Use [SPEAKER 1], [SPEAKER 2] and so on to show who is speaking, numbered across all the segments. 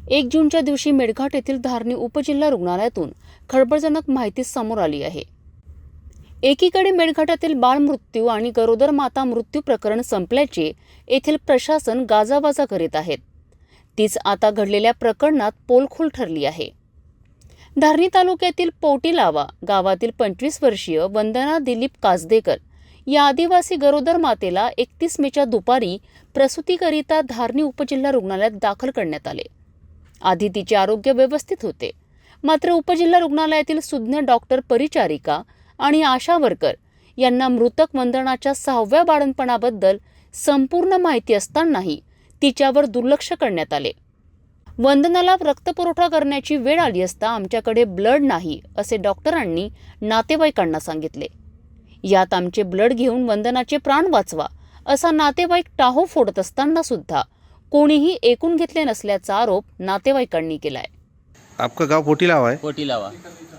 [SPEAKER 1] 1 जूनच्या दिवशी मेळघाट येथील धारणी उपजिल्हा रुग्णालयातून खळबळजनक माहिती समोर आली आहे। एकीकडे मेळघाटातील बाळ मृत्यू आणि गरोदर माता मृत्यू प्रकरण संपल्याचे येथील प्रशासन गाजावाजा करीत आहेत, तीच आता घडलेल्या प्रकरणात पोलखोल ठरली आहे। धारणी तालुक्यातील पोटीलावा गावातील 25 वर्षीय वंदना दिलीप कासदेकर या आदिवासी गरोदर मातेला 31 मेच्या दुपारी प्रसूतीकरिता धारणी उपजिल्हा रुग्णालयात दाखल करण्यात आले। आधी तिचे आरोग्य व्यवस्थित होते, मात्र उपजिल्हा रुग्णालयातील सुज्ञ डॉक्टर, परिचारिका आणि आशा वर्कर यांना मृतक वंदनाच्या 6व्या बाळंतपणाबद्दल संपूर्ण माहिती असतानाही तिच्यावर दुर्लक्ष करण्यात आले। वंदनाला रक्तपुरवठा करण्याची वेळ आली असता आमच्याकडे ब्लड नाही असे डॉक्टरांनी नातेवाईकांना सांगितले। यात आमचे ब्लड घेऊन वंदनाचे प्राण वाचवा असा नातेवाईक टाहो फोडत असताना सुद्धा कोणीही ऐकून घेतले नसल्याचा आरोप नातेवाईकांनी केलाय।
[SPEAKER 2] आपका गांव पोटीलावा है?
[SPEAKER 3] पोटीलावा।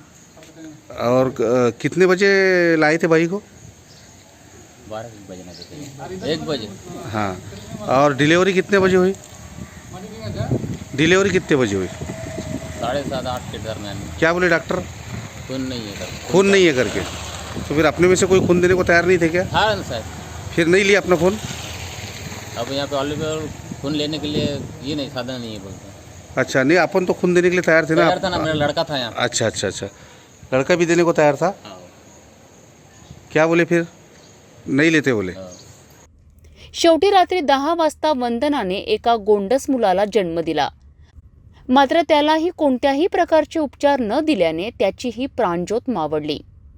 [SPEAKER 2] और कितने बजे लाए थे भाई को?
[SPEAKER 3] 12 बजे ना थे, 1 बजे।
[SPEAKER 2] हाँ, और डिलीवरी कितने बजे हुई? डिलीवरी कितने बजे हुई?
[SPEAKER 3] 7:30-8 के दरमियान।
[SPEAKER 2] क्या बोले डॉक्टर?
[SPEAKER 3] खून नहीं है सर।
[SPEAKER 2] खून नहीं है करके? तो फिर अपने में से कोई खून देने को तैयार नहीं थे क्या?
[SPEAKER 3] हाँ ना सर।
[SPEAKER 2] फिर नहीं लिया अपना खून?
[SPEAKER 3] अब यहाँ पे ऑलरेडी खून लेने के लिए ये नहीं, साधन नहीं है बोलते।
[SPEAKER 2] अच्छा, नहीं अपन तो खून देने के लिए तैयार थे ना?
[SPEAKER 3] तैयार था ना, मेरा लड़का था यहाँ।
[SPEAKER 2] अच्छा अच्छा अच्छा, लड़का भी देने को तैयार था?
[SPEAKER 3] हाँ।
[SPEAKER 2] क्या बोले फिर? नहीं लेते बोले?
[SPEAKER 3] हाँ।
[SPEAKER 1] शेवटी रात्री 10 वाजता वंदनाने एका गोंडस मुलाला जन्म दिला, मात्र त्यालाही कोणत्याही प्रकारचे उपचार न दिल्याने त्याची ही प्राणज्योत मावळली।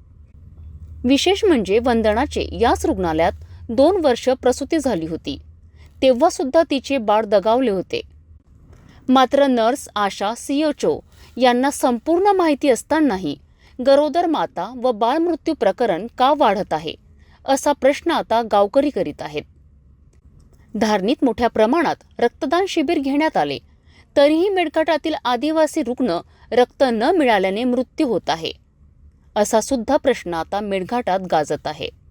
[SPEAKER 1] विशेष म्हणजे वंदनाचे याच रुग्णालयात 2 वर्ष प्रसूती झाली होती, तेव्हा सुद्धा तिचे बाळ दगावले होते। मात्र नर्स, आशा, CHO यांना संपूर्ण माहिती असतानाही गरोदर माता व बाळ मृत्यू प्रकरण का वाढत आहे असा प्रश्न आता गावकरी करीत आहेत। धारणीत मोठ्या प्रमाणात रक्तदान शिबिर घेण्यात आले, तरीही मेळघाटातील आदिवासी रुग्ण रक्त न मिळाल्याने मृत्यू होत आहे, असा सुद्धा प्रश्न आता मेळघाटात गाजत आहे।